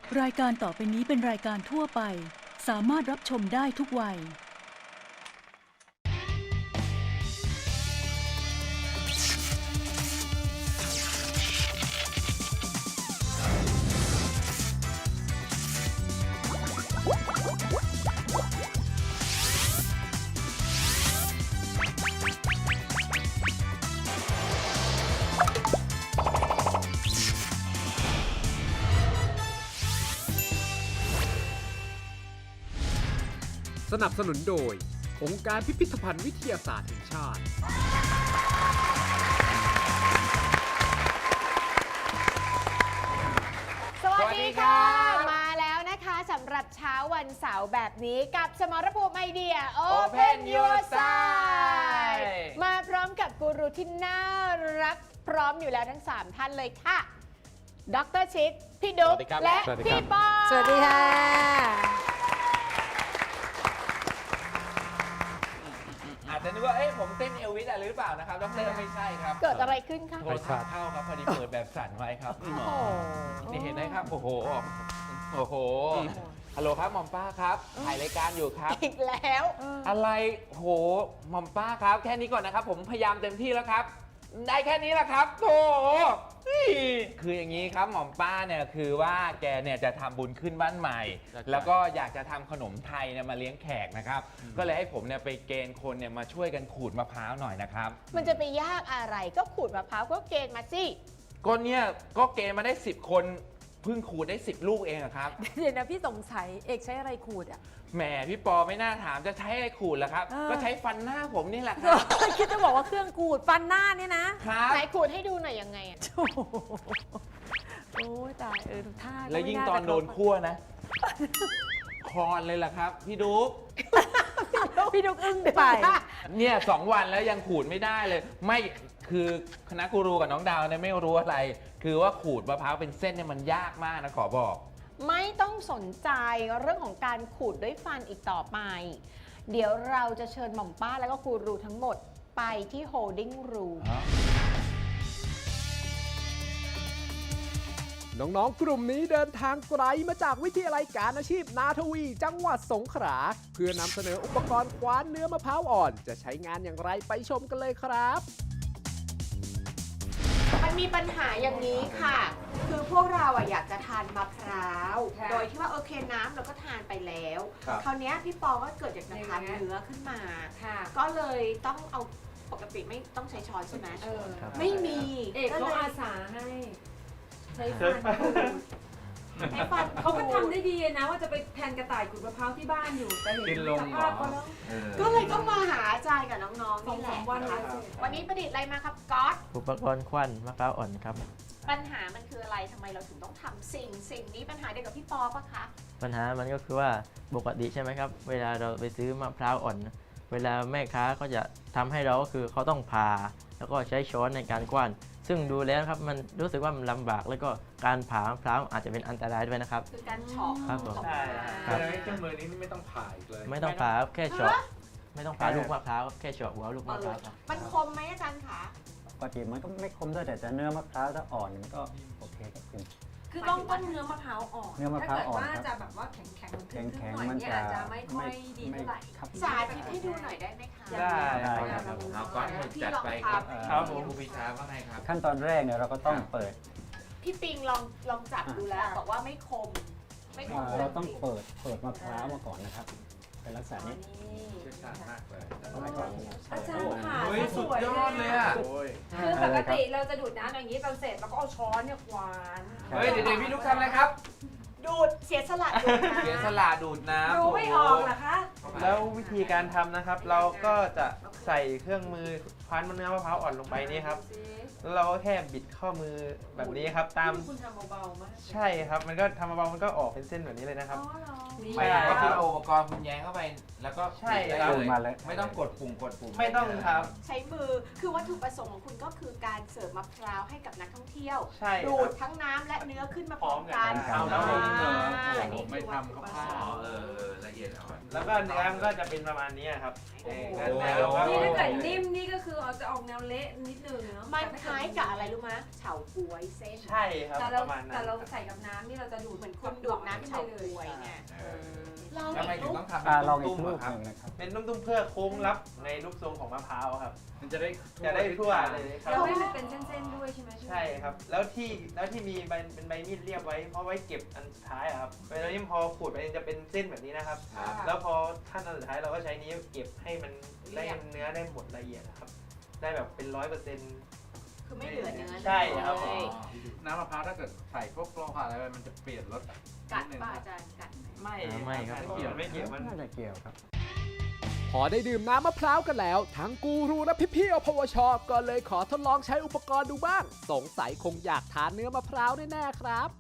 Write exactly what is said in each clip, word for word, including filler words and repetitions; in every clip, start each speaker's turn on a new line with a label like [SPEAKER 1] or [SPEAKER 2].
[SPEAKER 1] รายการต่อไปนี้เป็นรายการทั่วไปสามารถรับชมได้ทุกวัย
[SPEAKER 2] สนับสนุนโดยองค์การพิพิธภัณฑ์วิทยาศาสตร์แห่งชาติ
[SPEAKER 3] สวัสดีค่ะ มาแล้วนะคะสำหรับเช้าวันเสาร์แบบนี้กับสมรภูมิไอเดีย Open Your Side มาพร้อมกับกูรูที่น่ารักพร้อมอยู่แล้วทั้งสามท่านเลยค่ะดรชิดพี่ดุ๊กและพี่ปอสวัสดีค่ะ
[SPEAKER 4] อาจจะนึกว่าเอ้ยผมเต้นเอลวิสอะไรหรือเปล่านะครับดรไม่ใช่ครับ
[SPEAKER 3] เกิดอะไรขึ้นคะ
[SPEAKER 4] โทรศัพท์เข้าครับพอดีเปิดแบบสั่นไว้ครับ
[SPEAKER 3] โอ้โห
[SPEAKER 4] นี่เห็นไหมครับโอ้โหโอ้โหฮัลโหลครับหม่อมป้าครับถ่ายรายการอยู่ครับ
[SPEAKER 3] อีกแล้ว
[SPEAKER 4] อะไรโหหม่อมป้าครับแค่นี้ก่อนนะครับ ผมพยายามเต็มที่แล้วครับ ได้แค่นี้แหละครับโถคืออย่างนี้ครับหม่อมป้าเนี่ยคือว่าแกเนี่ยจะทำบุญขึ้นบ้านใหม่ แล้วก็อยากจะทำขนมไทยเนี่ยมาเลี้ยงแขกนะครับก็เลยให้ผมเนี่ยไปเกณฑ์คนเนี่ยมาช่วยกันขูดมะพร้าวหน่อยนะครับ
[SPEAKER 3] มันจะไปยากอะไรก็ขูดมะพร้าวก็เกณฑ์มาสิ
[SPEAKER 4] ก็เนี่ยก็เกณฑ์มาได้สิบคนเพิ่งขูดได้สิบลูกเองอะครับ
[SPEAKER 5] เดี๋ยวนะพี่สงสัยเอกใช้อะไรขูดอ่ะ
[SPEAKER 4] แหมพี่ปอไม่น่าถามจะใช้อะไรขูดล่ะครับ
[SPEAKER 5] เออ
[SPEAKER 4] ก็ใช้ฟันหน้าผมนี่แหละครับ
[SPEAKER 5] คิดจะบอกว่าเครื่องขูดฟันหน้าเนี่ยนะครับ
[SPEAKER 3] ไหนขูดให้ดูหน่อยยังไงอะ
[SPEAKER 5] โอ้โหโอ้ยตายเออทุกท่าก็
[SPEAKER 4] แล้วยิ่ง
[SPEAKER 5] ไม่า
[SPEAKER 4] ตอน
[SPEAKER 5] จะ
[SPEAKER 4] โดนคั่วนะคลอนเลยล่ะครับพี่ดุ๊ก
[SPEAKER 5] พี่ดุกอึ้งไป
[SPEAKER 4] เนี่ยสองวันแล้วยังขูดไม่ได้เลย ไม่คือคณะกูรูกับน้องดาวเนี่ยไม่รู้อะไร คือว่าขูดมะพร้าวเป็นเส้นเนี่ยมันยากมากนะขอบอก
[SPEAKER 3] ไม่ต้องสนใจเรื่องของการขูดด้วยฟันอีกต่อไป เดี๋ยวเราจะเชิญหม่อมป้าแล้วก็กูรูทั้งหมดไปที่ holding room
[SPEAKER 2] น้องๆ กลุ่มนี้เดินทางไกลมาจากวิทยาลัยการอาชีพนาทวี จังหวัดสงขลาเพื่อนำเสนออุปกรณ์คว้านเนื้อมะพร้าวอ่อน จะใช้งานอย่างไรไปชมกันเลยครับ
[SPEAKER 3] มันมีปัญหาอย่างนี้ค่ะ คือพวกเราอะอยากจะทานมะพร้าว โดยที่ว่าโอเคน้ำเราก็ทานไปแล้ว คราวนี้พี่ปอก็เกิดอยากจะทานเนื้อขึ้นมา ก็เลยต้องเอาปกติไม่ต้องใช้ช้อนใช่ไหมไม่มี
[SPEAKER 5] เอกเขา
[SPEAKER 3] ลย
[SPEAKER 5] อาสาให้ใช้ฟันขูด
[SPEAKER 3] ใช้ฟัน
[SPEAKER 5] เขาก็ทำได้ดีนะว่าจะไปแทนกระต่ายขูดมะพร้าวที่บ้านอยู่แต่เห็น
[SPEAKER 4] กินลง
[SPEAKER 5] ส
[SPEAKER 4] เหร
[SPEAKER 5] ภา
[SPEAKER 4] อ
[SPEAKER 5] พเขาแล้ว
[SPEAKER 3] ก็เลยต้องมาหาอาจารย์กับน้องๆ
[SPEAKER 5] สอง
[SPEAKER 3] นี่แห
[SPEAKER 5] สา
[SPEAKER 3] ละ
[SPEAKER 5] มวัน
[SPEAKER 3] นะ
[SPEAKER 5] เล
[SPEAKER 3] คะ
[SPEAKER 5] ย
[SPEAKER 3] วันนี้ประดิษฐ์อะไรมาครับก๊อต
[SPEAKER 6] อุปกรณ์ควันมะพร้าวอ่อนครับ
[SPEAKER 3] ปัญหามันคืออะไรทำไมเราถึงต้องทำสิ่งสิ่งนี้ปัญหาเดียวกับพี่ปอปะคะ
[SPEAKER 6] ปัญหามันก็คือว่าปกติใช่ไหมครับ เวลาเราไปซื้อมะพร้าวอ่อน เวลาแม่ค้าก็จะทำให้เราก็คือเขาต้องผ่าแล้วก็ใช้ช้อนในการกว้านซึ่งดูแล้วครับมันรู้สึกว่ามันลำบากแล้วก็การผ่ามะพร้าวอาจจะเป็นอันตรายด้วยนะครับ
[SPEAKER 3] คือการเฉาะ
[SPEAKER 6] ครับผม
[SPEAKER 3] ออก
[SPEAKER 4] ใช่
[SPEAKER 3] มา
[SPEAKER 6] ครับ
[SPEAKER 4] เครื่องมือนี้ไม่ต้องผ่าอีกเลย
[SPEAKER 6] ไม่ต้องผ่าครับแค่เฉาะไม่ต้องผ่าลูกมะพร้าวครับแค่เฉาะหัวลูกมะพร้าวครับ
[SPEAKER 3] มันคมไหมอาจารย์คะ
[SPEAKER 7] ปกติมันก็ไม่คมด้วยแต่จะเนื้อมะพร้าวถ้าอ่อนมันก็โอเคครับคุณ
[SPEAKER 5] คือต้องต้มเนื้อมะพร้าวอ่อน
[SPEAKER 7] เนื้อมะพร้าวอ่อน
[SPEAKER 5] ถ้าเกิดว่า
[SPEAKER 7] ครับ
[SPEAKER 5] จะแบบว่าแข็งแข็งๆ
[SPEAKER 7] แข็งแข็ง
[SPEAKER 5] หน่อย
[SPEAKER 7] ๆมัน
[SPEAKER 5] เนี่ย
[SPEAKER 7] จะ
[SPEAKER 5] อาจจะไม่ค่อยดีเท่าไหร่
[SPEAKER 7] ครับ
[SPEAKER 3] สาธิตให้ดูหน่อยได้ไหมคะ
[SPEAKER 5] ได้
[SPEAKER 7] ได้ครับ
[SPEAKER 4] เอาก้อนให้จัดไปครับครับผมครูปีชาว่าไงครับ
[SPEAKER 7] ขั้นตอนแรกเนี่ยเราก็ต้องเปิด
[SPEAKER 3] พี่ปิงลองลองจับดูแล้ว บอกว่าไม่คม ไม่คม
[SPEAKER 7] อ่าเราต้องเปิดเปิดมะพร้าวมาก่อนนะครับ เป็นลักษณะนี้
[SPEAKER 4] เชี่ยวชาญมากเลย
[SPEAKER 7] ต้องให้ก่อน
[SPEAKER 5] อาจารย์ค่ะ
[SPEAKER 4] เฮ้ยสุดยอดเลยอ่ะ
[SPEAKER 5] คือปกติเราจะดูดน้ำอย่างนี้ตอนเสร็จเราก็เอาช้อนเนี่ยควาน
[SPEAKER 4] เฮ้ยเดี๋ยวๆพี่ลูกทำอะไรครับ
[SPEAKER 3] ดูดเสียสละดูดนะ
[SPEAKER 4] เสียสละดูดน้ำ
[SPEAKER 5] ดูไม่ออกเหรอคะ
[SPEAKER 8] แล้ววิธีการทำนะครับ เราก็จะใส่เครื่องมือคว้านเนื้อมะพร้าวอ่อนลงไปนี่ครับแล้วเราก็แค่บิดข้อมือแบบนี้ครับตาม
[SPEAKER 5] คุณทำเบาๆมาก
[SPEAKER 8] ใช่ครับมันก็ทำเบาๆมันก็ออกเป็นเส้นแบบนี้เลยนะครับ
[SPEAKER 4] ไม่ได้ก็คือเอาอุปกรณ์คุณแย้งเข้าไป แล้วก็
[SPEAKER 8] ใช่
[SPEAKER 4] ได้
[SPEAKER 8] ครับ
[SPEAKER 4] เลย
[SPEAKER 7] มาเลย
[SPEAKER 4] ไม่ต้องกดปุ่มกดปุ่ม
[SPEAKER 8] ไม่ต้องครับ
[SPEAKER 3] ใช้มือ คือวัตถุประสงค์ของคุณก็คือการเสิร์ฟมะพร้าวให้กับนักท่องเที่ยว
[SPEAKER 8] ใช่ค
[SPEAKER 3] ดู
[SPEAKER 8] รั
[SPEAKER 3] ด
[SPEAKER 8] บ
[SPEAKER 3] ทั้งน้ำและเนื้อขึ้นมาพร้อมกัน
[SPEAKER 8] พร้อมกัน
[SPEAKER 4] เอาแล้ว
[SPEAKER 3] อ่า
[SPEAKER 4] ผม
[SPEAKER 3] นี่
[SPEAKER 4] ไม่
[SPEAKER 3] คือ
[SPEAKER 4] ทำกับ
[SPEAKER 3] วัต
[SPEAKER 4] ข้า
[SPEAKER 3] ถุประส
[SPEAKER 4] ว
[SPEAKER 3] งค์
[SPEAKER 4] เออละเอียดอียดอ่อน
[SPEAKER 8] แล้วก็เนื้อมันก็จะเป็นประมาณนี้ครับ
[SPEAKER 5] โอ้โห
[SPEAKER 8] เนื้อแล้วก็
[SPEAKER 5] นี่ถ้าเกิดนิ่มนี่ก็คือเอาจะออกแนวเละนิดนึงเนาะ
[SPEAKER 3] มันคล้ายกับอะไรรู้ไหมเฉาก๊วยเส้น
[SPEAKER 8] ใช่ครับ
[SPEAKER 5] แต่
[SPEAKER 8] ป
[SPEAKER 5] เรา
[SPEAKER 8] ระมาณนั้
[SPEAKER 5] แต่
[SPEAKER 8] น
[SPEAKER 5] เราใส่กับน้ำนี่เราจะดูดเหมือน
[SPEAKER 3] คุณดูดน้ำเฉาก๊วยเนี่ยลอง
[SPEAKER 4] ทำไม
[SPEAKER 3] อีก
[SPEAKER 4] ถึง
[SPEAKER 3] ลูก
[SPEAKER 4] ต้องทำ
[SPEAKER 7] อ่า
[SPEAKER 4] เป็น
[SPEAKER 7] ลองอี
[SPEAKER 4] ตุ้
[SPEAKER 7] ก
[SPEAKER 4] ม
[SPEAKER 7] ลู
[SPEAKER 4] ๆ
[SPEAKER 7] ก
[SPEAKER 4] อะครับ
[SPEAKER 7] หนึ่งนะครับ
[SPEAKER 8] เป็นตุ้มๆเพื่อโค้งรับในรูปทรงของมะพร้าวครับ
[SPEAKER 4] มันจะได้
[SPEAKER 8] จะได้ทั่วเลยครับ
[SPEAKER 5] เราให้มันเป็นเส้นๆด้วยใช่ไหม
[SPEAKER 8] ใช่ครับ แล้วที่แล้วที่มีใบเป็นใบมีดเรียบไว้เพราะไว้เก็บอันสุดท้ายอะครับเวลานี้พอขูดไปจะเป็นเส้นแบบนี้นะครับ
[SPEAKER 4] ครับ
[SPEAKER 8] แล้วพอขั้นตอนสุดท้ายเราก็ใช้นี้วเก็บให้มันได้เนื้อได้หมดละเอียดนะครับ ได้แบบเป็นร้อยเปอร์เซ็นต์
[SPEAKER 3] คือไม่เหลือเนื้อ
[SPEAKER 8] ใช่ครับ
[SPEAKER 3] เลย
[SPEAKER 4] น้ำมะพร้าวถ้าเกิดใส่พวกโกลอะไรไปมันจะเปลี่ยนรส
[SPEAKER 3] กัด
[SPEAKER 4] นินึง
[SPEAKER 3] ป่ะอาจารย์กัดไหม
[SPEAKER 8] ไม่
[SPEAKER 6] อ่าไม่ครับ
[SPEAKER 8] ไม่เกี่ยวไม่เกี่ยวมัน
[SPEAKER 7] น่าจะเกี่ยวครับ
[SPEAKER 2] พอได้ดื่มน้ำมะพร้าวกันแล้ว ทั้งกูรูและพี่ๆอพวช ก็เลยขอทดลองใช้อุปกรณ์ดูบ้าง สงสัยคงอยากทานเนื้อมะพร้าวแน่ๆครับ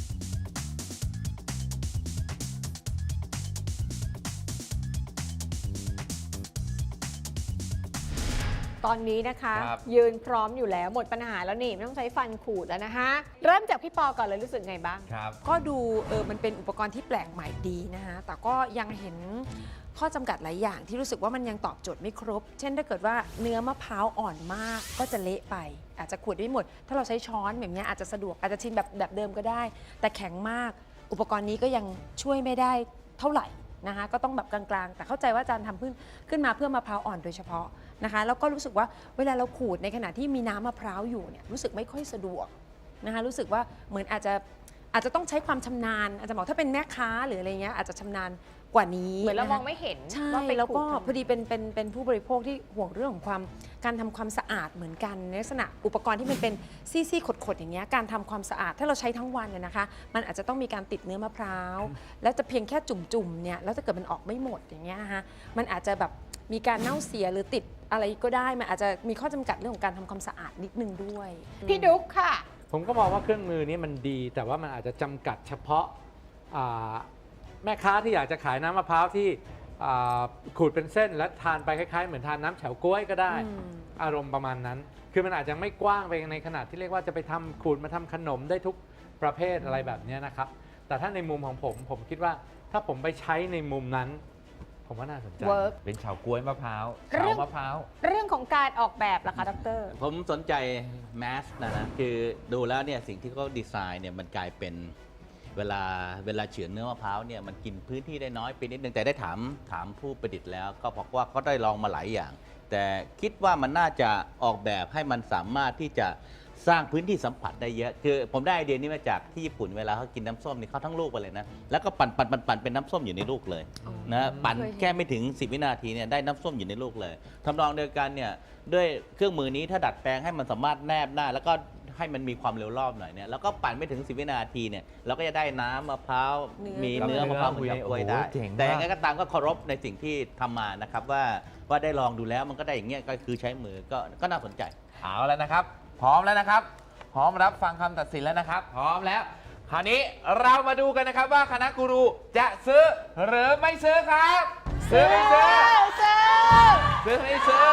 [SPEAKER 3] ตอนนี้นะคะ
[SPEAKER 4] ครับ
[SPEAKER 3] ยืนพร้อมอยู่แล้วหมดปัญหาแล้วนี่ไม่ต้องใช้ฟันขูดแล้วนะคะ เริ่มจากพี่ปอก่อนเลยรู้สึกไงบ้าง
[SPEAKER 4] ครับ
[SPEAKER 9] ก็ดูเออมันเป็นอุปกรณ์ที่แปลกใหม่ดีนะคะแต่ก็ยังเห็นข้อจำกัดหลายอย่างที่รู้สึกว่ามันยังตอบโจทย์ไม่ครบ เช่นถ้าเกิดว่าเนื้อมะพร้าวอ่อนมากก็จะเละไป อาจจะขูดได้ไม่หมด ถ้าเราใช้ช้อนแบบนี้อาจจะสะดวกอาจจะชิมแบบแบบเดิมก็ได้ แต่แข็งมาก อุปกรณ์นี้ก็ยังช่วยไม่ได้เท่าไหร่นะคะก็ต้องแบบกลางๆ แต่เข้าใจว่าอาจารย์ทำขึ้นขึ้นมาเพื่อมะพร้าวอ่อนโดยเฉพาะนะคะแล้วก็รู้สึกว่าเวลาเราขูดในขณะที่มีน้ำมะพร้าวอยู่เนี่ยรู้สึกไม่ค่อยสะดวกนะคะรู้สึกว่าเหมือนอาจจะอาจจะต้องใช้ความชำนาญอาจจะบอกถ้าเป็นแม่ค้าหรืออะไรเงี้ยอาจจะชำนาญกว่านี้
[SPEAKER 3] เหมือนเรา
[SPEAKER 9] ะคะ
[SPEAKER 3] มองไม่เห็น
[SPEAKER 9] ใช่
[SPEAKER 3] ว่าไป
[SPEAKER 9] แล้วก็
[SPEAKER 3] ขูดทำไม
[SPEAKER 9] พอดีเป็นเป็นเป็นผู้บริโภคที่ห่วงเรื่องของความการทำความสะอาดเหมือนกันในลักษณะอุปกรณ์ที่มันเป็นซี่ๆขดๆอย่างเงี้ยการทำความสะอาดถ้าเราใช้ทั้งวันเนี่ยนะคะ มันอาจจะต้องมีการติดเนื้อมะพร้าวแล้วจะเพียงแค่จุ่มๆเนี่ยแล้วถ้าเกิดมันออกไม่หมดอย่างเงี้ยนะคะมันอาจจะแบบมีการเน่าเสียหรือติดอะไรก็ได้มันอาจจะมีข้อจำกัดเรื่องของการทำความสะอาดนิดนึงด้วย
[SPEAKER 3] พี่ดุ๊กค่ะ
[SPEAKER 10] ผมก็มองว่าเครื่องมือนี้มันดี แต่ว่ามันอาจจะจำกัดเฉพาะอ่าแม่ค้าที่อยากจะขายน้ำมะพร้าวที่อ่าขูดเป็นเส้นแล้วทานไปคล้ายๆเหมือนทานน้ำเฉาก๊วยก็ได้
[SPEAKER 9] อืม
[SPEAKER 10] อารมณ์ประมาณนั้น คือมันอาจจะไม่กว้างไปในขนาดที่เรียกว่าจะไปทำขูดมาทำขนมได้ทุกประเภทอะไรแบบนี้นะครับ แต่ถ้าในมุมของผม ผมคิดว่าถ้าผมไปใช้ในมุมนั้น ผมว่าน่าสนใจ
[SPEAKER 3] เวิร์ก
[SPEAKER 4] เป็นเฉาก๊วยมะพร้าว
[SPEAKER 3] เรื่
[SPEAKER 4] เฉา
[SPEAKER 3] อง
[SPEAKER 4] มะพร้าว
[SPEAKER 3] เรื่องของการออกแบบล่ะคะดร
[SPEAKER 11] ผมสนใจแมสนะนะคือดูแล้วเนี่ยสิ่งที่เขาดีไซน์เนี่ยมันกลายเป็นเวลาเวลาเฉือนเนื้อมะพร้าวเนี่ยมันกินพื้นที่ได้น้อยไปนิดนึงแต่ได้ถามถามผู้ประดิษฐ์แล้วก็บอกว่าเขาได้ลองมาหลายอย่าง แต่คิดว่ามันน่าจะออกแบบให้มันสามารถที่จะสร้างพื้นที่สัมผัสได้เยอะคือผมได้ไอเดียนี้มาจากที่ญี่ปุ่นเวลาเขากินน้ำส้มนี่เขาทั้งลูกไปเลยนะแล้วก็ปั่นปั่นปั่นปั่นเป็นน้ำส้มอยู่ในลูกเลยนะปั่นแค่ไม่ถึงสิบวินาทีเนี่ยได้น้ำส้มอยู่ในลูกเลยทำนองเดียวกันเนี่ยด้วยเครื่องมือนี้ถ้าดัดแปลงให้มันสามารถแนบได้แล้วก็ให้มันมีความเร็วรอบหน่อยเนี่ยแล้วก็ปั่นไม่ถึงสิบวินาทีเนี่ยเราก็จะได้น้ำมะพร้าว
[SPEAKER 9] เนื้อ
[SPEAKER 11] มีเนื้อมะพร้าวเหมือนกับกล้วยได้
[SPEAKER 4] โอ้โหเจ๋งมาก
[SPEAKER 11] แต่ยังไงก็ตามก็เคารพในสิ่งที่ทำมานะครับว่าว่าได้ลองดูแล้วมันก็ได้อย่างเงี้ยก็คือใช้มือก็ก็น่าสนใจ
[SPEAKER 4] เอาแล้วนะครับ พร้อมแล้วนะครับ พร้อมรับฟังคำตัดสินแล้วนะครับ พร้อมแล้ว คราวนี้เรามาดูกันนะครับว่าคณะกูรูจะซื้อหรือไม่ซื้อครับ ซื้อไม่ซื้อ
[SPEAKER 3] ซื้อ
[SPEAKER 4] ซื้อไม่ซื้อ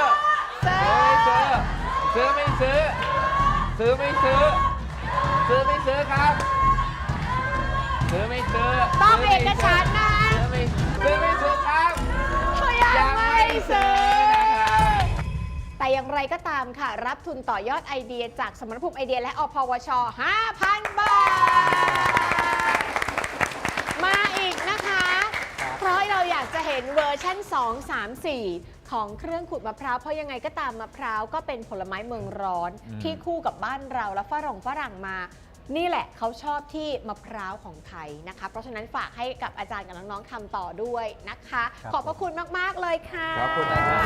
[SPEAKER 4] ซื้อไม่ซื้อ ซื้อไม่ซื้อ ซื้อไม่ซื้อ ซื้อไม่ซื้อครับ ซื้อไม่ซื้อ
[SPEAKER 3] ต้องเอกฉันท์นะ
[SPEAKER 4] ซื้อไม่ซื้อไม่ซื้อครับ
[SPEAKER 3] ยังไม่ซื้อ
[SPEAKER 4] นะครับ
[SPEAKER 3] แต่อย่างไรก็ตามค่ะ รับทุนต่อยอดไอเดียจากสมรภูมิไอเดียและอพวช ห้าพัน บาท มาอีกนะคะ เพราะเราอยากจะเห็นเวอร์ชั่น สอง สาม สี่ ของเครื่องขูดมะพร้าว เพราะยังไงก็ตามมะพร้าวก็เป็นผลไม้เมืองร้อน
[SPEAKER 4] อืม
[SPEAKER 3] ที่คู่กับบ้านเราและฝรั่งฝรั่งมา นี่แหละเขาชอบที่มะพร้าวของไทยนะคะ เพราะฉะนั้นฝากให้กับอาจารย์กับน้องๆทำต่อด้วยนะคะ
[SPEAKER 7] ครับ
[SPEAKER 3] ขอบพระคุณมากๆเลยค่ะ
[SPEAKER 4] ขอบคุณนะครับ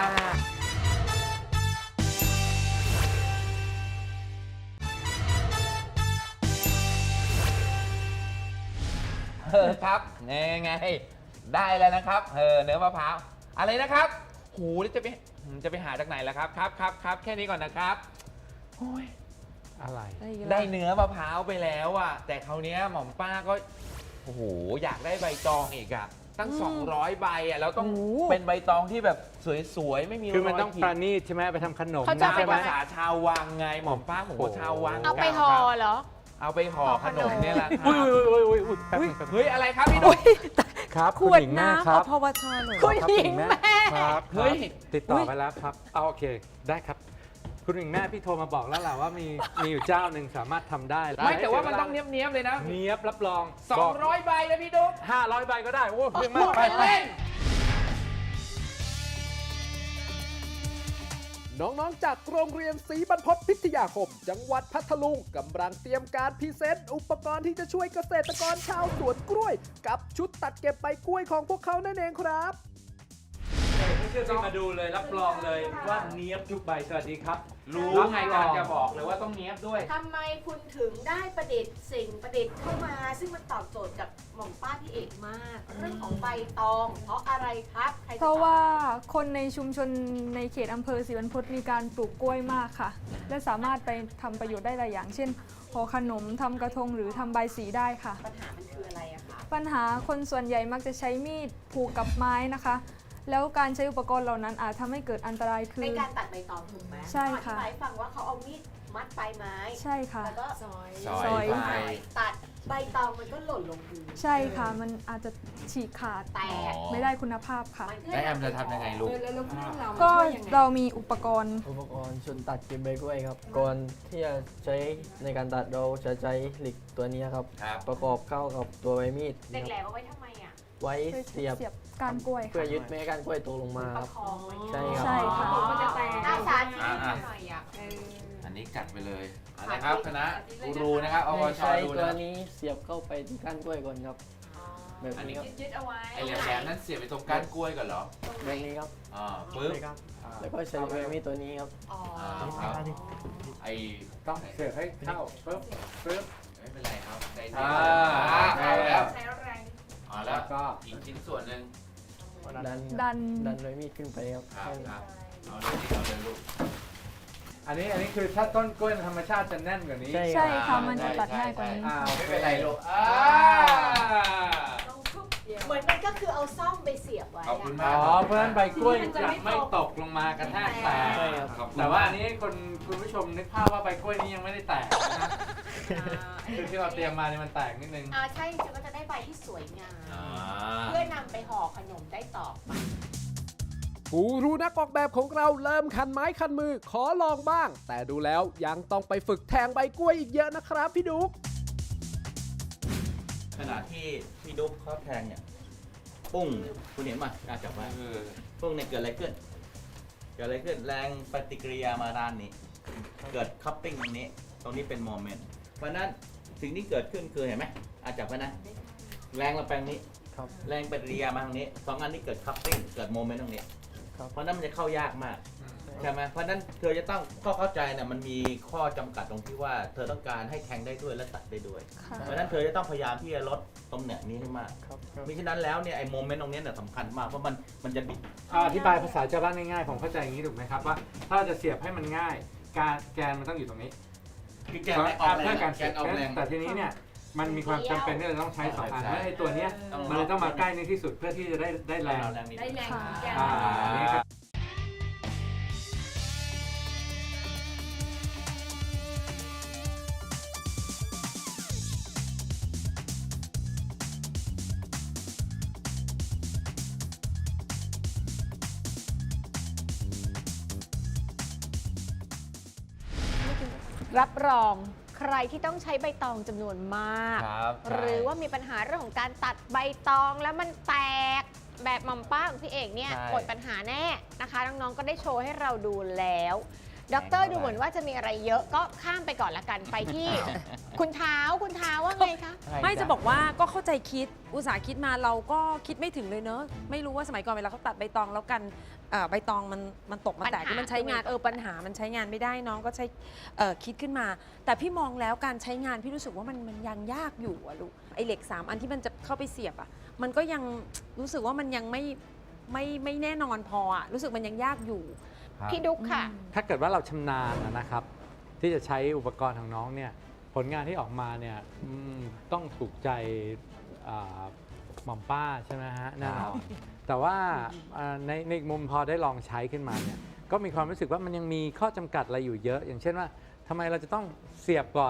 [SPEAKER 4] เออครับไงไงได้แล้วนะครับเออเนื้อมะพร้าวอะไรนะครับหูแล้วจะไปจะไปหาจากไหนล่ะครับครับครับครับแค่นี้ก่อนนะครับโอ้ย
[SPEAKER 10] อะไร
[SPEAKER 4] ได้เนื้อมะพร้าวไปแล้วอ่ะแต่คราวเนี้ยหม่อมป้าก็โอ้โหอยากได้ใบตองอีกอ่ะตั้ง สองร้อยใบอ่ะแล้วต้องเป็นใบตองที่แบบสวยๆไม่มี
[SPEAKER 10] คือมันต้อง
[SPEAKER 4] รยขีด
[SPEAKER 10] ประณีตใช่ไหมไปทำขนม
[SPEAKER 3] เขาจะ
[SPEAKER 10] นะ
[SPEAKER 3] ไป
[SPEAKER 10] ใช่ไหม
[SPEAKER 4] ภาษาชาววังไงหม่อมป้าผมก็ชาววัง
[SPEAKER 3] เอาไปห่อเหรอ
[SPEAKER 4] เอาไปห่อขนมเนี่ยแหละครั
[SPEAKER 10] อุ้ย
[SPEAKER 4] บ
[SPEAKER 10] อุ้ยอุ้ยอุ้ยอุ้ยแป๊บนึงแป๊บนึง
[SPEAKER 4] เฮ้ยอะไรครับพี่นุ๊ก
[SPEAKER 10] ครับ
[SPEAKER 9] ขวด
[SPEAKER 10] ณหญิงแม่
[SPEAKER 9] น้ำ
[SPEAKER 10] ครั
[SPEAKER 9] อบ พวชเลย
[SPEAKER 3] คุณหญิงแม่
[SPEAKER 10] ครับ
[SPEAKER 4] เฮ้ย
[SPEAKER 10] ติดต่อไปแล้วครับเอาโอเคได้ครับ คุณหญิงแม่พี่โทรมาบอกแล้วแหละว่ามีมีอยู่เจ้าหนึ่งสามารถทำได้
[SPEAKER 4] ไม่แต่ว่ามันต้องเนี้ยบๆเลยนะ
[SPEAKER 10] เนียบรับรอง
[SPEAKER 4] สองร้อยใบนะพี่ดุ๊ก
[SPEAKER 10] ห้าร้อยใบก็ได้โอ้เพียง
[SPEAKER 4] พู
[SPEAKER 10] มาก
[SPEAKER 4] ด
[SPEAKER 10] ไป
[SPEAKER 4] เป็น
[SPEAKER 10] ไป
[SPEAKER 4] เล่น
[SPEAKER 2] น้องๆ จากโรงเรียนศรีบรรพตพิทยาคม จังหวัดพัทลุงกำลังเตรียมการพรีเซนต์อุปกรณ์ที่จะช่วยเกษตรกรชาวสวนกล้วย กับชุดตัดเก็บใบกล้วยของพวกเขานั่นเองครับ
[SPEAKER 10] ไม่เชื่อพี่มาดูเลยรับรองเลยว่าเนียบทุกใบสวัสดีครับ
[SPEAKER 4] รู้ไงกำลังจะบอกเลยว่าต้องเนี้ยบด้วย
[SPEAKER 12] ทำไมคุณถึงได้ประดิษฐ์สิ่งประดิษฐ์เข้ามา ซึ่งมันตอบโจทย์กับหม่อมป้าพี่เอกมาก เรื่องของใบตอง เพราะอะไรครับใครจ
[SPEAKER 5] เพราะ
[SPEAKER 12] ตอบ
[SPEAKER 5] ว่าคนในชุมชนในเขตอำเภอศรีบรรพตมีการปลูกกล้วยมากค่ะ และสามารถไปทำประโยชน์ได้หลายอย่าง เช่นห่อขนมทำกระทงหรือทำใบสีได้ค่ะ
[SPEAKER 12] ปัญหามันคืออะไรอะคะ
[SPEAKER 5] ปัญหาคนส่วนใหญ่มักจะใช้มีดผูกกับไม้นะคะ แล้วการใช้อุปกรณ์เหล่านั้นอาจทำให้เกิดอันตรายคือ
[SPEAKER 12] ในการตัดใบตองถูกไหม
[SPEAKER 5] ใช่ค่ะ
[SPEAKER 12] อธิบายให้ฟังว่าเขาเอามีดมัดปลายไม้
[SPEAKER 5] ใช่ค่ะ
[SPEAKER 12] แล้วก็ซอย
[SPEAKER 4] ซอยไป
[SPEAKER 12] ตัดใบตองมันก็หล่นลงพื้น
[SPEAKER 5] ใช่ค่ะ มันอาจจะฉีกขาด
[SPEAKER 12] แตก
[SPEAKER 5] ไม่ได้คุณภาพค่ะ
[SPEAKER 4] แล้วแอมจะทำยังไงลูก
[SPEAKER 5] ก็เรามีอุปกรณ์
[SPEAKER 6] อุปกรณ์ชุดตัดเก็บใบกล้วยครับ ก่อนที่จะใช้ในการตัดเราจะใช้เหล็กตัวนี้ครับ
[SPEAKER 4] ครับ
[SPEAKER 6] ประกอบเข้ากับตัวใบมีด
[SPEAKER 12] เด็กแหล
[SPEAKER 6] ครับ
[SPEAKER 12] มเอาไว้ทำไมอะ
[SPEAKER 6] ไว้เสียบ
[SPEAKER 5] เสียบก้านกล้วย
[SPEAKER 6] เพื่อ
[SPEAKER 5] ค่ะ
[SPEAKER 6] ยึดไม่ให้ก้านกล้วยตกลงมา
[SPEAKER 12] ป
[SPEAKER 6] ค
[SPEAKER 12] ระ
[SPEAKER 6] รับ
[SPEAKER 12] คองไว้
[SPEAKER 6] ใช่ครับ
[SPEAKER 5] ใช่ค่ะ
[SPEAKER 12] มันจะแตกหน้าสาธิต
[SPEAKER 4] อ่า
[SPEAKER 12] หน่อยอะเออ
[SPEAKER 4] อันนี้กัดไปเลยเอาละครับคณะกูรูนะครับเอาวช
[SPEAKER 6] ใช้
[SPEAKER 4] ดู
[SPEAKER 6] ตัว
[SPEAKER 4] นะ
[SPEAKER 6] นี้เสียบเข้าไปที่ก้านกล้วยก่อนครับ แบบ
[SPEAKER 4] อันนี้
[SPEAKER 6] นี้ครับ
[SPEAKER 12] ยึดๆเอาไว้
[SPEAKER 4] ไอ้แหลมๆนั้นเสียบไปตรงก้านกล้วยก่อนเหรอ
[SPEAKER 6] แบบนี้ครับ
[SPEAKER 4] อ่าปึ๊บ
[SPEAKER 6] แล้วก็ใช้ใบมีดตัวนี้ครับ
[SPEAKER 12] อ๋อ
[SPEAKER 4] อ่าครับไอ้
[SPEAKER 10] ต้องเสียบให้เข้าปึ๊บปึ๊บ
[SPEAKER 4] ไม่เป็นไรครับใจเย็
[SPEAKER 10] อ่า
[SPEAKER 4] นเอาแล้ว
[SPEAKER 12] ใช้แรง
[SPEAKER 4] เอาแล้วก็อีกชิ้นส่วนหนึ่ง
[SPEAKER 6] ดัน
[SPEAKER 5] ดัน
[SPEAKER 6] ดันใบมีดขึ้นไปครับ
[SPEAKER 4] ครับครับเอาเลยเอาเลยลูก
[SPEAKER 10] อันนี้อันนี้คือถ้าต้นกล้วยธรรมชาติจะแน่นกว่านี้
[SPEAKER 6] ใช่
[SPEAKER 5] ใช่
[SPEAKER 6] ครับ
[SPEAKER 5] ค่ะ มันจะตัดง่ายกว่านี้
[SPEAKER 10] อ่าโอ
[SPEAKER 4] ไม่
[SPEAKER 10] เค
[SPEAKER 4] เป็นไรลูกอ่า
[SPEAKER 12] เหมือนมันก็คือเอาซ่อมไปเสียบไว้
[SPEAKER 4] ขอบคุณ
[SPEAKER 12] อะ
[SPEAKER 4] มาก
[SPEAKER 10] อ๋อเพราะฉะนั้นใบกล้วยจะไม่ตกลงมากระแทกแตก
[SPEAKER 6] ใช่ครับ
[SPEAKER 4] ขอบคุณ
[SPEAKER 10] แต่ว่าอันนี้คนคุณผู้ชมนึกภาพว่าใบกล้วยนี้ยังไม่ได้แตกนะคือที่เราเตรียมมาเนี่ยมันแตกนิดนึง
[SPEAKER 12] อ่าใช่จริงๆก็จะได้ใบที่สวยงาม
[SPEAKER 4] อ่า
[SPEAKER 12] เพื่อนำไปห่อขนมได้ต่อไป
[SPEAKER 2] กูรูนักออกแบบของเราเริ่มคันไม้คันมือขอลองบ้าง แต่ดูแล้วยังต้องไปฝึกแทงใบกล้วยอีกเยอะนะครับพี่ดุ๊ก
[SPEAKER 11] ขณะที่พี่ดุ๊กเขาแทงเนี่ยปุ้งคุณเห็นไหมการจับไว้
[SPEAKER 4] เออ
[SPEAKER 11] ปุ้งเนี่ยเกิดอะไรขึ้น เกิดอะไรขึ้นแรงปฏิกิริยามาด้านนี้ เกิดคัพปิ้งตรงนี้ ตรงนี้เป็นโมเมนต์เพราะฉะนั้นสิ่งที่เกิดขึ้นคือเห็นไหมอาจับไว้นะ แรงเราแปลงนี้
[SPEAKER 6] ครับ
[SPEAKER 11] แรงปฏิกิริยามาทางนี้สองอันนี้เกิดคัพปิ้งเกิดโมเมนต์ตรงนี้
[SPEAKER 6] ครับ
[SPEAKER 11] เพราะนั้นมันจะเข้ายากมากใช่ไหมเพราะนั้นเธอจะต้องก็เข้าใจเนี่ยมันมีข้อจำกัดตรงที่ว่าเธอต้องการให้แทงได้ด้วยและตัดได้ด้วย
[SPEAKER 5] ค่ะ
[SPEAKER 11] เพราะฉะนั้นเธอจะต้องพยายามที่จะลดตรงเนี้ยนี้ให้มาก
[SPEAKER 6] ครับครับ
[SPEAKER 11] มิฉะนั้นแล้วเนี่ยไอ้โมเมนต์ตรงเนี้ยเนี่ยสำคัญมากเพราะมันมันจะบิด
[SPEAKER 10] เอาอธิบายภาษาชาวบ้านง่ายๆผมเข้าใจอย่างนี้ถูกไหมครับว่าถ้าเราจะเสียบให้มันง่าย การแกนมันต้องอยู่ตรงนี้
[SPEAKER 11] คือแกนไม่ออกแร
[SPEAKER 10] เพื่อง การ
[SPEAKER 11] แก
[SPEAKER 10] เสีย
[SPEAKER 11] น
[SPEAKER 10] บ
[SPEAKER 11] ออกแรง
[SPEAKER 10] แต่ทีนี้เนี่ยมันมีความจำเป็นที่เราต้องใช้สองอันแล้วไอ้ตัวเนี้ยมันเลยต้องมาใกล้ในที่สุดเพื่อที่จะได้ได้แรง
[SPEAKER 11] แรงนิด
[SPEAKER 12] ได้แรงของแกน
[SPEAKER 10] อ่าอันนี้ครับ
[SPEAKER 3] รับรองใครที่ต้องใช้ใบตองจำนวนมาก
[SPEAKER 4] ครับ
[SPEAKER 3] หรือว่ามีปัญหาเรื่องของการตัดใบตองแล้วมันแตกแบบหม่อมป้าของพี่เอกเนี่ย
[SPEAKER 4] ใช่
[SPEAKER 3] หมดปัญหาแน่นะคะน้องๆก็ได้โชว์ให้เราดูแล้วด็อกเตอร์ดูเหมือนว่าจะมีอะไรเยอะก็ข้ามไปก่อนละกันไปที่ คุณเท้าคุณเท้าว่าไงคะ
[SPEAKER 9] ไม่จะบอกว่าก็เข้าใจคิดอุตสาห์คิดมาเราก็คิดไม่ถึงเลยเนอะไม่รู้ว่าสมัยก่อนเวลาเขาตัดใบตองแล้วกันเอ่อใบตองมันมันตกมาแตก
[SPEAKER 3] ปัญหา
[SPEAKER 9] ที่มันใช้งานเออปัญหามันใช้งานไม่ได้น้องก็ใช้เอ่อคิดขึ้นมา แต่พี่มองแล้วการใช้งานพี่รู้สึกว่ามันมันยังยากอยู่อะลูกไอเหล็กสามอันที่มันจะเข้าไปเสียบอะมันก็ยังรู้สึกว่ามันยังไม่ไม่ไม่แน่นอนพออะรู้สึกมันยังยากอยู่
[SPEAKER 3] พี่ดุ๊กค่ะ
[SPEAKER 10] ถ้าเกิดว่าเราชำนาญนะครับ ที่จะใช้อุปกรณ์ของน้องเนี่ยผลงานที่ออกมาเนี่ยอืมต้องถูกใจอ่าหม่อมป้าใช่ไหมฮะแน่นอนแต่ว่าอ่าในในอีกมุมพอได้ลองใช้ขึ้นมาเนี่ยก็มีความรู้สึกว่ามันยังมีข้อจำกัดอะไรอยู่เยอะ อย่างเช่นว่าทำไมเราจะต้องเสียบก่อน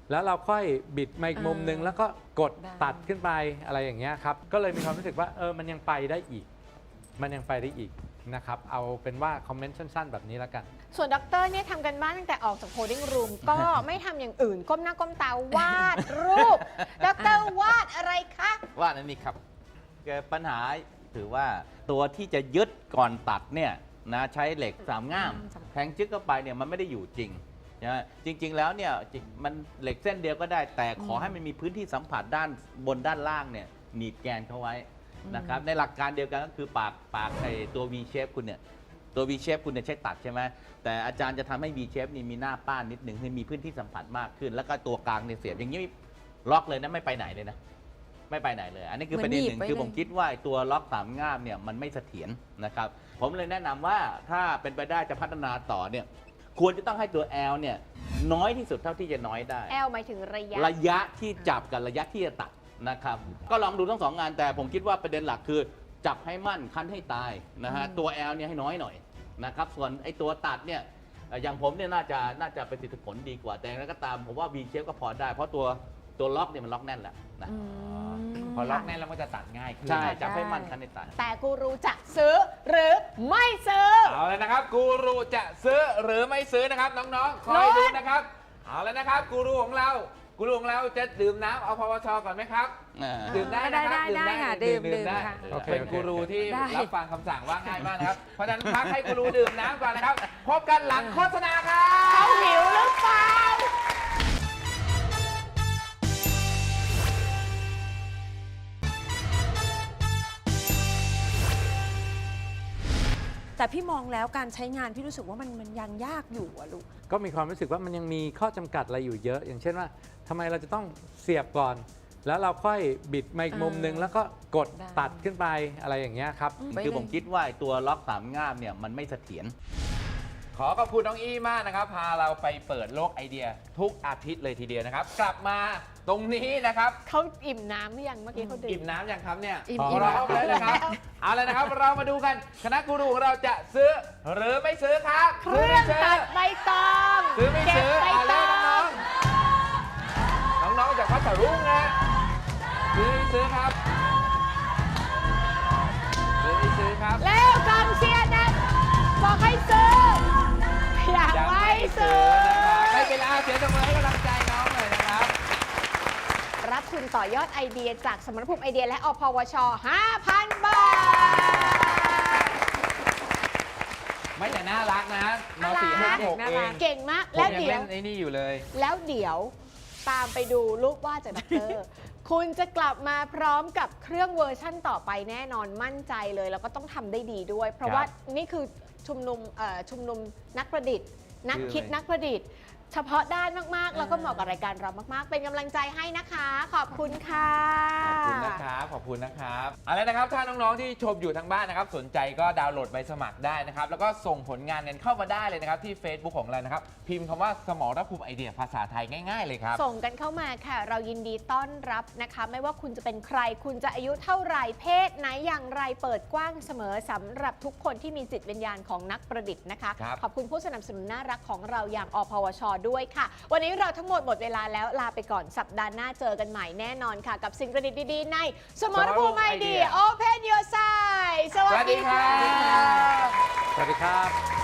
[SPEAKER 10] แล้วเราค่อยบิดมาอีกมุมหนึ่ง
[SPEAKER 9] อ่า
[SPEAKER 10] แล้วก็กด
[SPEAKER 9] ได้
[SPEAKER 10] ตัดขึ้นไปอะไรอย่างเงี้ยครับก็เลยมีความรู้สึกว่าเออมันยังไปได้อีก มันยังไปได้อีกนะครับเอาเป็นว่าคอมเมนต์สั้นๆแบบนี้แล้วกัน
[SPEAKER 3] ส่วนด็อกเตอร์เนี่ยทำกันบ้านตั้งแต่ออกจากโพดิ้งรูม ก็ไม่ทำอย่างอื่น ก้มหน้าก้มตาวาดรูป ด็อกเตอร์วาดอะไรคะ
[SPEAKER 11] ว่านั่นนี่ครับแกปัญหาถือว่าตัวที่จะยึดก่อนตัดเนี่ยนะใช้เหล็กสามง่ามแทงจึ๊กเข้าไปเนี่ยมันไม่ได้อยู่จริงนะจริง ๆ แล้วเนี่ยจริงมันเหล็กเส้นเดียวก็ได้ แต่ขอให้มันมีพื้นที่สัมผัสด้านบนด้านล่างเนี่ยหนีบแกนเข้าไว้นะครับในหลักการเดียวกันก็คือปากปากไอ้ตัว V shape คุณเนี่ยตัว V shape คุณเนี่ยใช้ตัดใช่ไหมแต่อาจารย์จะทำให้ V shape นี่มีหน้าป้านนิดหนึ่งให้มีพื้นที่สัมผัสมากขึ้น แล้วก็ตัวกลางเนี่ยเสียบอย่างนี้ล็อกเลยนะไม่ไปไหนเลยนะไม่ไปไหนเลย อันนี้คือประเด็นหนึ่งคือผมคิดว่าตัวล็อกสามง่ามเนี่ยมันไม่เสถียรนะครับผมเลยแนะนำว่าถ้าเป็นไปได้จะพัฒนาต่อเนี่ยควรจะต้องให้ตัว L เนี่ยน้อยที่สุดเท่าที่จะน้อยได้
[SPEAKER 3] แอลหมายถึงระยะ
[SPEAKER 11] ระยะที่จับกับระยะที่จะตัดนะครับก็ลองดูทั้งสองงานแต่ผมคิดว่าประเด็นหลักคือจับให้มั่นคั้นให้ตายนะฮะตัว L เนี่ยให้น้อยหน่อยนะครับส่วนไอ้ตัวตัดเนี่ยอย่างผมเนี่ยน่าจะน่าจะประสิทธิผลดีกว่าแต่อย่างไรก็ตามผมว่า V shape ก็พอได้เพราะตัวตัวล็อกเนี่ยมันล็อกแน่นแล้วนะ
[SPEAKER 4] พอล็อกแน่นแล้วมันจะตัดง่ายขึ้น
[SPEAKER 11] ใช่จับให้มั่นคั้นให้ตาย
[SPEAKER 3] แต่กูรูจะซื้อหรือไม่ซื้อ
[SPEAKER 4] เอาเลยนะครับกูรูจะซื้อหรือไม่ซื้อนะครับน้องๆคอยดูนะครับเอาแล้วนะครับกูรูของเรากูรูของเราจะดื่มน้ำเอาพวชก่อนไหมครับดื่มได้นะครับ
[SPEAKER 9] ได้ได้ค่ะดื่มดื่ม
[SPEAKER 4] ได้
[SPEAKER 9] ค่ะ
[SPEAKER 10] โอเค
[SPEAKER 4] เป็น
[SPEAKER 10] โอเค
[SPEAKER 4] กูรูที่
[SPEAKER 9] ได้
[SPEAKER 4] รับฟังคำสั่งว่าง่ายมากนะครับเพราะฉะนั้นพักให้กูรูดื่มน้ำก่อนนะครับพบกันหลังโฆษณาครับ
[SPEAKER 3] เขาหิวหรือเปล่า
[SPEAKER 9] แต่พี่มองแล้วการใช้งานพี่รู้สึกว่ามันมันยังยากอยู่อะลูก
[SPEAKER 10] ก็มีความรู้สึกว่ามันยังมีข้อจำกัดอะไรอยู่เยอะ อย่างเช่นว่าทำไมเราจะต้องเสียบก่อน แล้วเราค่อยบิดมาอีกมุมหนึ่งแล้วก็กด
[SPEAKER 9] ได้
[SPEAKER 10] ตัดขึ้นไปอะไรอย่างเงี้ยครับ
[SPEAKER 11] คือผมคิดว่าตัวล็อกสามง่ามเนี่ยมันไม่เสถียร
[SPEAKER 4] ขอขอบคุณน้องอี้มากนะครับพาเราไปเปิดโลกไอเดียทุกอาทิตย์เลยทีเดียวนะครับ กลับมาตรงนี้นะครับ
[SPEAKER 3] เขาอิ่มน้ำหรือยังเมื่อกี้เขาดื่
[SPEAKER 4] อิ่
[SPEAKER 3] ม
[SPEAKER 4] มน้ำยังครับเนี่ย
[SPEAKER 9] อิ่ม
[SPEAKER 4] พ
[SPEAKER 9] อิ่ม
[SPEAKER 4] ร้อมแล้วนะครับเอาเลยนะครับเรามาดูกันคณะกูรูของเราจะซื้อหรือไม่ซื้อครับ
[SPEAKER 3] เครื่องตัดใบตอง
[SPEAKER 4] ซื้อไม่
[SPEAKER 3] เก็บ
[SPEAKER 4] ซื้อ
[SPEAKER 3] ใบ
[SPEAKER 4] เอา
[SPEAKER 3] ต
[SPEAKER 4] แล้ว
[SPEAKER 3] อง
[SPEAKER 4] น้องๆน้องๆจากพัทลุงนะซื้อไม่ซื้อครับซื้อไม่ซื้อครับ
[SPEAKER 3] แล้วกองเชียร์นะบอกให้ซื้ออยาก
[SPEAKER 4] ยัง
[SPEAKER 3] ไม่
[SPEAKER 4] ไม่
[SPEAKER 3] ซื้
[SPEAKER 4] ซื้
[SPEAKER 3] อ
[SPEAKER 4] อนะครับไม่เป็นไรเสียงตบมือให้กำลังใจน้องหน่อยนะครับ
[SPEAKER 3] รับทุนต่อยอดไอเดียจากสมรภูมิไอเดียและอพวช ห้าพัน บาท
[SPEAKER 4] ไม่แต่น่ารักนะมสี่ห้าหก
[SPEAKER 9] น่า
[SPEAKER 4] เอ
[SPEAKER 9] รั
[SPEAKER 4] ง
[SPEAKER 9] ก
[SPEAKER 3] เก่งมาก
[SPEAKER 4] ผม
[SPEAKER 3] แล้ว
[SPEAKER 4] ยัง
[SPEAKER 3] เดี๋ย
[SPEAKER 4] เล่
[SPEAKER 3] วน
[SPEAKER 4] ไอ้นี่อยู่เลย
[SPEAKER 3] แล้วเดี๋ยวตามไปดูรูปวาดจากด็อกเตอร์ คุณจะกลับมาพร้อมกับเครื่องเวอร์ชั่นต่อไปแน่นอนมั่นใจเลย แล้วก็ต้องทำได้ดีด้วย เพราะว่านี่คือชุมนุมเอ่อชุมนุมนักประดิษฐ์ นักคิดนักประดิษฐ์ เฉพาะด้านมาก ๆ แล้วก็เหมาะกับรายการเรามาก ๆ เป็นกำลังใจให้นะคะ ขอบคุณค่ะ
[SPEAKER 4] ขอบคุณนะครับ ขอบคุณนะครับเอาละนะครับ ถ้าน้อง ๆ ที่ชมอยู่ทางบ้านนะครับ สนใจก็ดาวน์โหลดใบสมัครได้นะครับ แล้วก็ส่งผลงานกันเข้ามาได้เลยนะครับ ที่ Facebook ของเรานะครับ พิมพ์คำว่าสมรภูมิไอเดียภาษาไทยง่าย ๆ เลยครับ
[SPEAKER 3] ส่งกันเข้ามาค่ะ เรายินดีต้อนรับนะคะ ไม่ว่าคุณจะเป็นใคร คุณจะอายุเท่าไหร่เพศไหนอย่างไรเปิดกว้างเสมอสำหรับทุกคนที่มีจิตวิญญาณของนักประดิษฐ์นะคะ
[SPEAKER 4] ครับ
[SPEAKER 3] ขอบคุณผู้สนับสนุนน่ารักของเราอย่างอพวช ด้วยค่ะ วันนี้เราทั้งหมดหมดเวลาแล้วลาไปก่อนสัปดาห์หน้าเจอกันใหม่แน่นอนค่ะ กับสิ่งประดิษฐ์ดีๆในสมรภูมิไอเดีย Open Your Side สวัสดีค่ะ
[SPEAKER 10] สวัสดีครับ